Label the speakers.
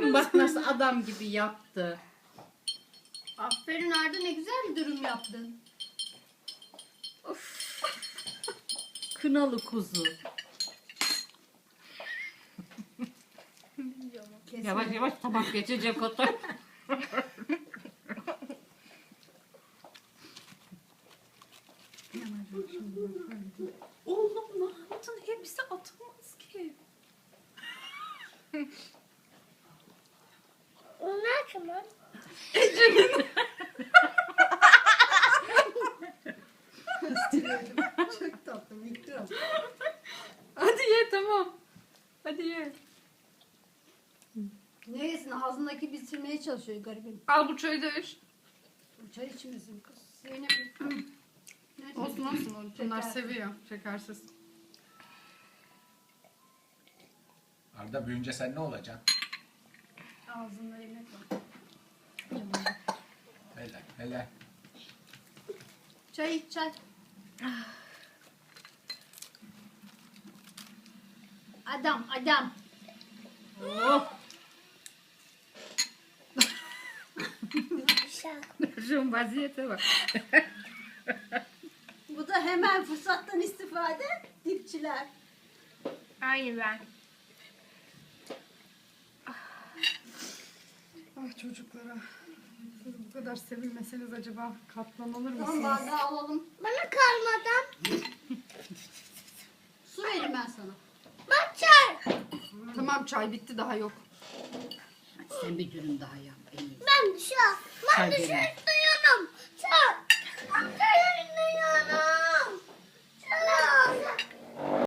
Speaker 1: mi? Bak nasıl adam gibi yaptı.
Speaker 2: Aferin Arda, ne güzel bir dürüm yaptın.
Speaker 1: Kınalı kuzu.
Speaker 2: Kesin.
Speaker 1: Yavaş yavaş tabak geçecek o da.
Speaker 3: Oğlum ne yaptın? Hepsi atılmaz ki.
Speaker 4: Onlar kimin?
Speaker 2: Çok tatlı, mikro.
Speaker 3: Hadi ye tamam. Hadi ye.
Speaker 2: Ne yesin, ağzındaki bitirmeye çalışıyor garibim.
Speaker 3: Al bu çayı da iç.
Speaker 2: Bu çay içmesin kız. Zeynep. Ne
Speaker 3: Olsun olsun. Bunlar
Speaker 2: Şeker.
Speaker 3: seviyor. Şekersiz.
Speaker 5: Arda büyüyünce sen ne olacaksın?
Speaker 2: Ağzında yemek var.
Speaker 5: Hele hele.
Speaker 2: Çay iç çay. Adam adam.
Speaker 1: Oh. Şu vaziyete bak.
Speaker 2: Bu da hemen fırsattan istifade. Dipçiler.
Speaker 4: Aynı ben.
Speaker 3: Ah çocuklara. Siz bu kadar sevilmeseniz acaba katlanılır
Speaker 2: Tamam,
Speaker 3: mısınız?
Speaker 2: bardağı alalım.
Speaker 4: Bana kalmadan
Speaker 2: Su vereyim ben sana.
Speaker 4: bak çay.
Speaker 3: Tamam çay bitti daha yok.
Speaker 1: Sen bir dürüm daha yap.
Speaker 4: Ben düşüyorum. Ben
Speaker 1: Çay
Speaker 4: düşürdüm.